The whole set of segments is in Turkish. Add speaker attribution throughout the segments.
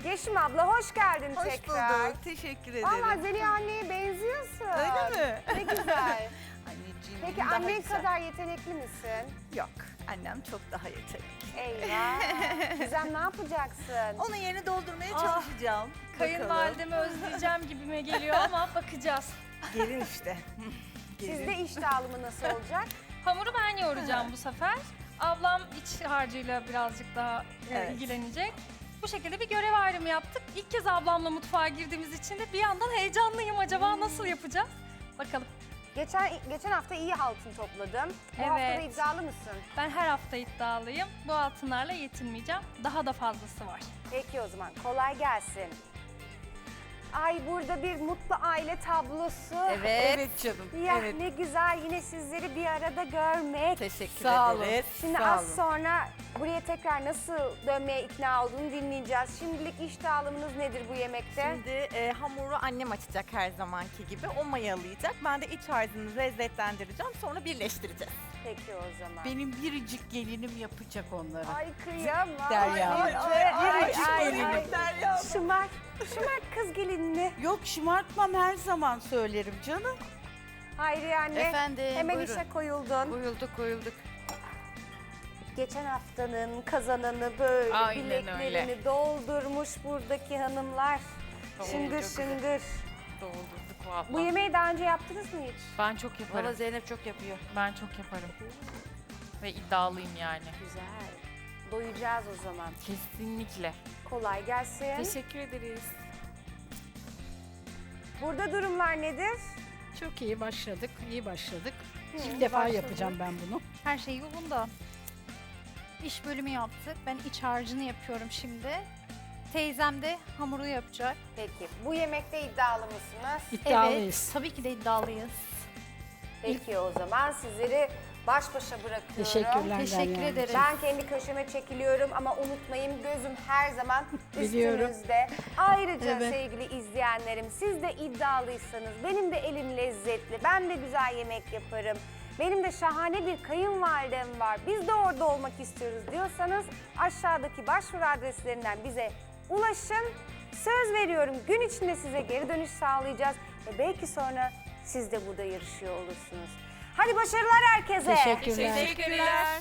Speaker 1: Yeşim abla hoş geldin
Speaker 2: Hoş
Speaker 1: tekrar.
Speaker 2: bulduk. Teşekkür ederim.
Speaker 1: Valla Zeliha anneye benziyorsun.
Speaker 2: Öyle mi?
Speaker 1: Ne güzel.
Speaker 2: Anneciğim
Speaker 1: Peki
Speaker 2: daha
Speaker 1: annen
Speaker 2: güzel.
Speaker 1: kadar yetenekli misin?
Speaker 2: Yok. Annem çok daha yetenekli.
Speaker 1: Eyvah. Gizem ne yapacaksın?
Speaker 2: Onun yerini doldurmaya
Speaker 3: Ah,
Speaker 2: çalışacağım.
Speaker 3: Kayınvalidemi özleyeceğim gibime geliyor ama bakacağız.
Speaker 2: Gelin işte. Gelin.
Speaker 1: Sizde iş dağılımı nasıl olacak?
Speaker 3: Hamuru ben yoğuracağım bu sefer. Ablam iç harcıyla birazcık daha
Speaker 2: Evet.
Speaker 3: ilgilenecek. Bu şekilde bir görev ayrımı yaptık. İlk kez ablamla mutfağa girdiğimiz için de bir yandan heyecanlıyım. Acaba nasıl yapacağız? Bakalım.
Speaker 1: Geçen hafta iyi altın topladım. Bu hafta da
Speaker 3: Evet.
Speaker 1: iddialı mısın?
Speaker 3: Ben her hafta iddialıyım. Bu altınlarla yetinmeyeceğim. Daha da fazlası var.
Speaker 1: Peki o zaman kolay gelsin. Ay burada bir mutlu aile tablosu.
Speaker 2: Evet canım.
Speaker 1: Ya
Speaker 2: evet.
Speaker 1: ne güzel yine sizleri bir arada görmek.
Speaker 2: Teşekkür
Speaker 1: Sağ olun.
Speaker 2: ederiz.
Speaker 1: Şimdi
Speaker 2: Sağ
Speaker 1: az
Speaker 2: olun.
Speaker 1: sonra buraya tekrar nasıl dönmeye ikna olduğunu dinleyeceğiz. Şimdilik iş dağılımınız nedir bu yemekte?
Speaker 2: Şimdi hamuru annem açacak her zamanki gibi. O mayalayacak. Ben de iç harcını lezzetlendireceğim. Sonra birleştireceğiz.
Speaker 1: Peki o zaman.
Speaker 4: Benim biricik gelinim yapacak onları.
Speaker 1: Ay kıyamam.
Speaker 4: Derya.
Speaker 2: Biricik Derya.
Speaker 1: Şımar kız gelinini.
Speaker 4: Yok şımartmam, her zaman söylerim canım.
Speaker 1: Hayriye anne.
Speaker 5: Efendim,
Speaker 1: Hemen
Speaker 5: buyurun.
Speaker 1: işe koyuldun.
Speaker 5: Koyulduk.
Speaker 1: Geçen haftanın kazananı böyle
Speaker 5: Aynen
Speaker 1: bileklerini doldurmuş buradaki hanımlar. Şıngır
Speaker 5: çok güzel.
Speaker 1: şıngır.
Speaker 5: Doldurduk valla.
Speaker 1: Bu yemeği daha önce yaptınız mı hiç?
Speaker 6: Ben çok yaparım.
Speaker 5: Valla Zeynep çok yapıyor.
Speaker 6: Ben çok yaparım. Ve iddialıyım yani.
Speaker 1: Güzel. Doyacağız o zaman.
Speaker 6: Kesinlikle.
Speaker 1: Kolay gelsin.
Speaker 6: Teşekkür ederiz.
Speaker 1: Burada durumlar nedir?
Speaker 7: Çok iyi başladık, iyi başladık.
Speaker 1: Hı,
Speaker 7: İlk defa
Speaker 1: başladı.
Speaker 7: yapacağım ben bunu.
Speaker 8: Her şey yolunda. İş bölümü yaptık. Ben iç harcını yapıyorum şimdi. Teyzem de hamuru yapacak.
Speaker 1: Peki bu yemekte iddialı mısınız?
Speaker 7: İddialıyız.
Speaker 8: Evet, tabii ki de iddialıyız.
Speaker 1: Peki o zaman sizleri baş başa bırakıyorum.
Speaker 7: Teşekkürler.
Speaker 8: Teşekkür
Speaker 7: Derya.
Speaker 8: ederim.
Speaker 1: Ben kendi köşeme çekiliyorum ama unutmayın gözüm her zaman
Speaker 7: Biliyorum.
Speaker 1: üstünüzde. Ayrıca
Speaker 7: Evet.
Speaker 1: sevgili izleyenlerim siz de iddialıysanız benim de elim lezzetli, ben de güzel yemek yaparım. Benim de şahane bir kayınvalidem var. Biz de orada olmak istiyoruz diyorsanız aşağıdaki başvuru adreslerinden bize ulaşın. Söz veriyorum gün içinde size geri dönüş sağlayacağız ve belki sonra siz de burada yarışıyor olursunuz. Hadi başarılar herkese.
Speaker 7: Teşekkürler.
Speaker 6: Teşekkürler.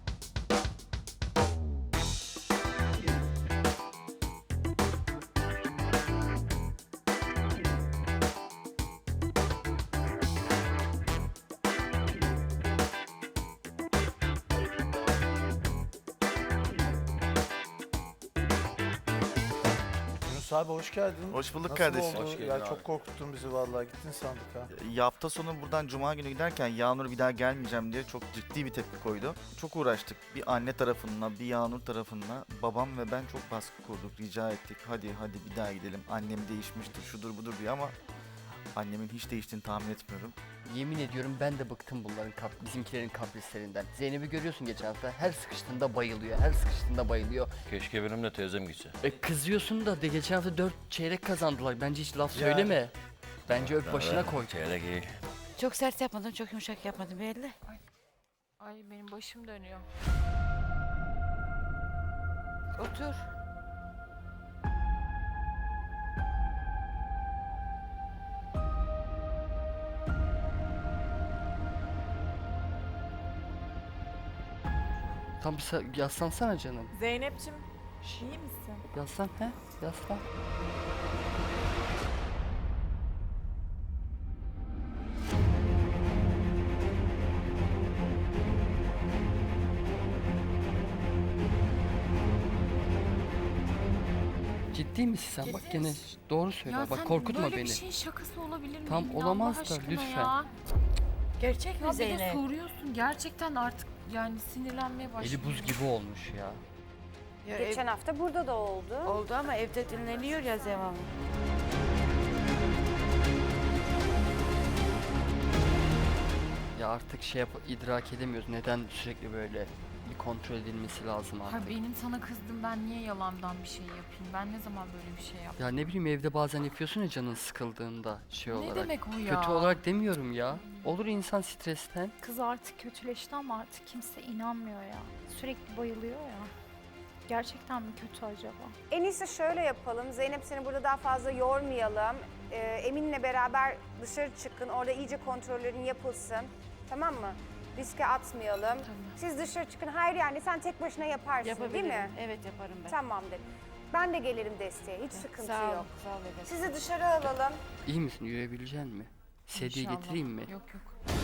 Speaker 9: Yunus abi hoş geldin.
Speaker 10: Hoş bulduk
Speaker 9: Nasıl
Speaker 10: kardeşim.
Speaker 9: oldu?
Speaker 10: Hoş
Speaker 9: Ya çok korkuttun bizi vallahi gittin sandık ha.
Speaker 10: Hafta sonu buradan cuma günü giderken Yağnur bir daha gelmeyeceğim diye çok ciddi bir tepki koydu. Çok uğraştık. Bir anne tarafından, bir Yağnur tarafından babam ve ben çok baskı kurduk, rica ettik. Hadi bir daha gidelim. Annem değişmiştir, şudur budur diye ama annemin hiç değiştiğini tahmin etmiyorum.
Speaker 11: Yemin ediyorum ben de bıktım bunların bizimkilerin kaprislerinden. Zeynep'i görüyorsun geçen hafta, her sıkıştığında bayılıyor, her sıkıştığında bayılıyor.
Speaker 12: Keşke benim de teyzem gitse.
Speaker 11: Kızıyorsun da geçen hafta 4 çeyrek kazandılar. Bence hiç laf söyleme. Bence öp başına koy.
Speaker 12: Çeyrek iyi.
Speaker 5: Çok sert yapmadım, çok yumuşak yapmadım belli.
Speaker 6: Ay benim başım dönüyor.
Speaker 5: Otur.
Speaker 11: Tam bir yaslansana canım.
Speaker 2: Zeynep'ciğim iyi misin?
Speaker 11: Yaslan he, yaslan. Ciddi misin sen? Bak gene doğru söyle. Bak korkutma
Speaker 6: böyle
Speaker 11: beni.
Speaker 6: bir şeyin şakası olabilir mi?
Speaker 11: Tam olamaz da lütfen.
Speaker 5: Gerçek
Speaker 6: Ya
Speaker 5: mi
Speaker 6: bir de
Speaker 5: Zeynep?
Speaker 6: soruyorsun gerçekten artık yani sinirlenmeye başladım.
Speaker 11: Eli buz gibi olmuş ya.
Speaker 5: Ya
Speaker 1: Geçen hafta burada da oldu.
Speaker 5: oldu ama evde dinleniyor ya devamlı.
Speaker 11: Ya artık idrak edemiyoruz. Neden sürekli böyle bir kontrol edilmesi lazım
Speaker 6: Ha
Speaker 11: artık.
Speaker 6: benim sana kızdım, ben niye yalandan bir şey yapayım? Ben ne zaman böyle bir şey yaptım?
Speaker 11: Ya ne bileyim evde bazen yapıyorsun ya canın sıkıldığında şey
Speaker 6: Ne
Speaker 11: olarak.
Speaker 6: demek o ya?
Speaker 11: Kötü olarak demiyorum ya. Olur insan stresten.
Speaker 8: Kız artık kötüleşti ama artık kimse inanmıyor ya. Sürekli bayılıyor ya. Gerçekten mi kötü acaba?
Speaker 1: En iyisi şöyle yapalım. Zeynep seni burada daha fazla yormayalım. Emin'le beraber dışarı çıkın. Orada iyice kontrollerin yapılsın. Tamam mı? Riske atmayalım. Siz dışarı çıkın. Hayır yani sen tek başına yaparsın değil mi?
Speaker 5: Evet yaparım ben.
Speaker 1: Tamamdır. Ben de gelirim desteğe. Hiç sıkıntı
Speaker 5: Sağ ol,
Speaker 1: yok.
Speaker 5: sağ ol efendim.
Speaker 1: Sizi dışarı alalım.
Speaker 11: İyi misin? Yürüyebilecek mi? Sedye
Speaker 6: İnşallah.
Speaker 11: getireyim mi?
Speaker 6: Yok yok.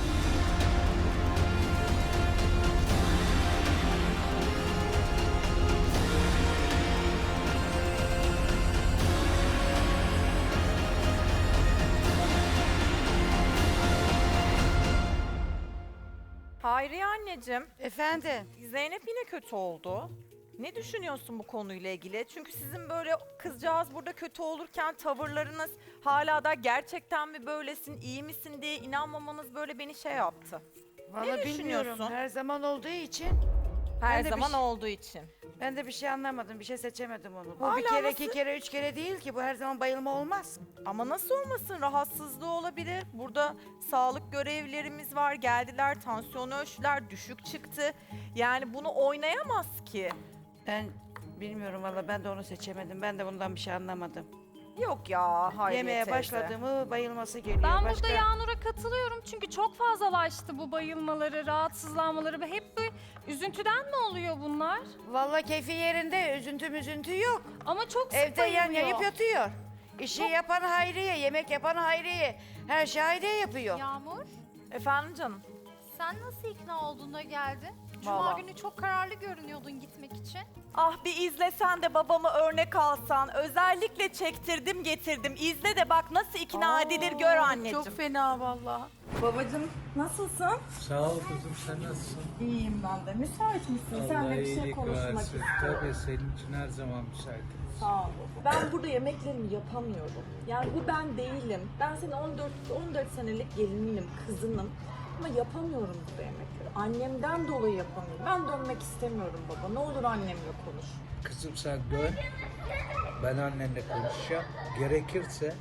Speaker 2: Hayriye anneciğim,
Speaker 5: Efendim?
Speaker 2: Zeynep yine kötü oldu. Ne düşünüyorsun bu konuyla ilgili? Çünkü sizin böyle kızcağız burada kötü olurken tavırlarınız hala da gerçekten mi böylesin, iyi misin diye inanmamanız böyle beni şey yaptı.
Speaker 5: Vallahi bilmiyorum.
Speaker 2: düşünüyorsun?
Speaker 5: Her zaman olduğu için
Speaker 2: Her
Speaker 5: Ben de bir
Speaker 2: zaman
Speaker 5: şey-
Speaker 2: olduğu için.
Speaker 5: ben de bir şey anlamadım. Bir şey seçemedim onu. Bu
Speaker 2: Hala
Speaker 5: bir kere,
Speaker 2: nasıl?
Speaker 5: 2 kere, 3 kere değil ki. Bu her zaman bayılma olmaz.
Speaker 2: Ama nasıl olmasın, rahatsızlığı olabilir. Burada sağlık görevlilerimiz var, geldiler, tansiyonu ölçtüler, düşük çıktı. Yani bunu oynayamaz ki.
Speaker 5: Ben bilmiyorum valla, ben de onu seçemedim. Ben de bundan bir şey anlamadım.
Speaker 2: Yok ya Hayriye
Speaker 5: Yemeye
Speaker 2: teyze.
Speaker 5: başladı mı bayılması geliyor.
Speaker 3: Ben
Speaker 5: Başka...
Speaker 3: burada Yağnur'a katılıyorum çünkü çok fazlalaştı bu bayılmaları, rahatsızlanmaları ve hep bir üzüntüden mi oluyor bunlar?
Speaker 5: Valla keyfi yerinde, üzüntü yok.
Speaker 3: Ama çok sık
Speaker 5: Evde yan
Speaker 3: bayılıyor.
Speaker 5: yayıp yatıyor. İşi yapan Hayriye, yemek yapan Hayriye. Her şey Hayriye yapıyor.
Speaker 8: Yağmur,
Speaker 2: Efendim canım?
Speaker 8: sen nasıl ikna olduğuna geldin? Cuma
Speaker 2: Vallahi.
Speaker 8: günü çok kararlı görünüyordun gitmek için.
Speaker 2: Ah bir izlesen de babamı örnek alsan. Özellikle çektirdim getirdim. İzle de bak nasıl ikna edilir gör anneciğim.
Speaker 4: Çok fena vallahi.
Speaker 2: Babacığım nasılsın?
Speaker 12: Sağ ol kızım, sen nasılsın?
Speaker 2: İyiyim ben de. Müsait misin? Seninle bir şey konuşmak istiyorum.
Speaker 12: Tabii senin için her zaman müsaitim.
Speaker 2: Sağ ol. Ben burada yemeklerimi yapamıyorum. Yani bu ben değilim. Ben senin 14 senelik gelininim, kızınım. Ama yapamıyorum burada yemekleri. Annemden dolayı yapamıyorum. Ben dönmek istemiyorum baba. Ne olur annemle konuş.
Speaker 12: Kızım sen dön, ben annenle konuşacağım. Gerekirse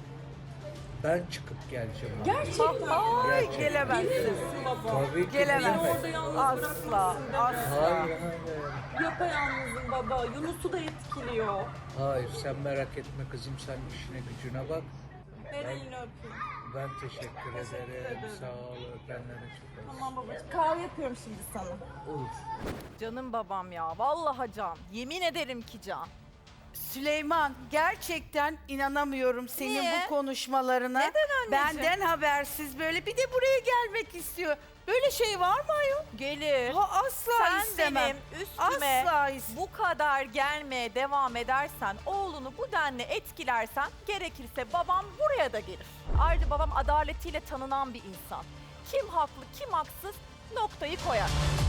Speaker 12: ben çıkıp geleceğim.
Speaker 2: Gerçekten. Ay
Speaker 12: Gerçekten.
Speaker 2: gelemezsin.
Speaker 12: Tabii ki
Speaker 2: Gelemezsin.
Speaker 12: ne demek?
Speaker 2: Asla. Asla.
Speaker 12: Hayır, hayır.
Speaker 2: Yapayalnızım baba. Yunus'u da etkiliyor.
Speaker 12: Hayır, sen merak etme kızım, sen işine gücüne bak.
Speaker 2: Ver elini öpeyim.
Speaker 12: Ben teşekkür ederim. Sağ ol, öpenlere çok az.
Speaker 2: Tamam babacığım. Kahve yapıyorum şimdi sana.
Speaker 12: Olur.
Speaker 2: Canım babam ya. Vallahi can. Yemin ederim ki can.
Speaker 4: Süleyman, gerçekten inanamıyorum senin
Speaker 2: Niye?
Speaker 4: bu konuşmalarına.
Speaker 2: Neden anneciğim?
Speaker 4: Benden habersiz böyle bir de buraya gelmek istiyor. Böyle şey var mı ayol?
Speaker 2: Gelir.
Speaker 4: Ha, asla
Speaker 2: Sen
Speaker 4: istemem.
Speaker 2: benim üstüme
Speaker 4: Asla istemem.
Speaker 2: bu kadar gelmeye devam edersen, oğlunu bu denli etkilersen gerekirse babam buraya da gelir. Ayrıca babam adaletiyle tanınan bir insan. Kim haklı, kim haksız noktayı koyar.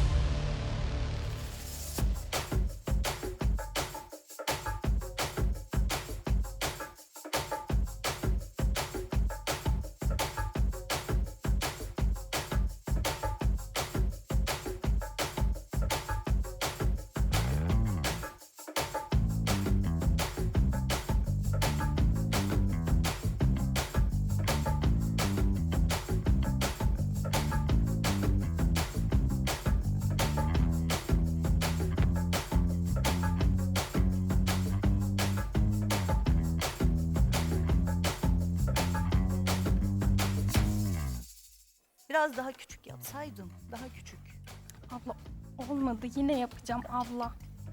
Speaker 4: Biraz daha küçük yapsaydın. Daha küçük.
Speaker 3: Abla olmadı yine yapacağım abla.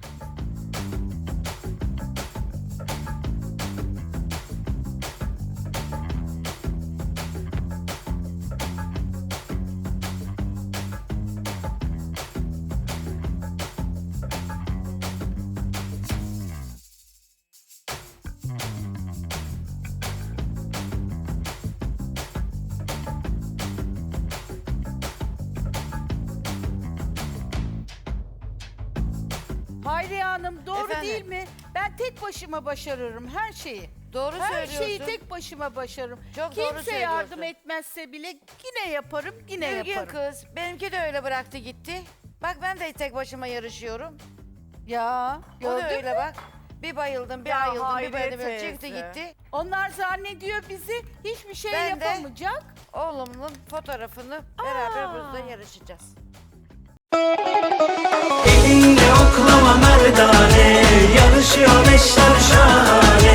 Speaker 4: Hayriye Hanım doğru
Speaker 5: Efendim?
Speaker 4: değil mi? Ben tek başıma başarırım her şeyi.
Speaker 5: Doğru
Speaker 4: Her
Speaker 5: söylüyorsun.
Speaker 4: şeyi tek başıma başarırım.
Speaker 5: Çok doğru
Speaker 4: Kimse yardım
Speaker 5: söylüyorsun.
Speaker 4: etmezse bile yine yaparım, yine
Speaker 5: Bilgin
Speaker 4: yaparım.
Speaker 5: kız, benimki de öyle bıraktı gitti. Bak ben de tek başıma yarışıyorum.
Speaker 4: Ya
Speaker 5: O da
Speaker 4: gördün mü?
Speaker 5: öyle bak. Bir bayıldım, bir
Speaker 2: Ya
Speaker 5: ayıldım, bir
Speaker 2: Hayriye
Speaker 5: bayıldım.
Speaker 2: teyze.
Speaker 5: Çıktı gitti.
Speaker 4: Onlar zannediyor bizi hiçbir şey
Speaker 5: Ben de-
Speaker 4: yapamayacak.
Speaker 5: Oğlumun fotoğrafını beraber burada yarışacağız.
Speaker 13: Elinde oklama merdane, yarışıyor eşler şahane.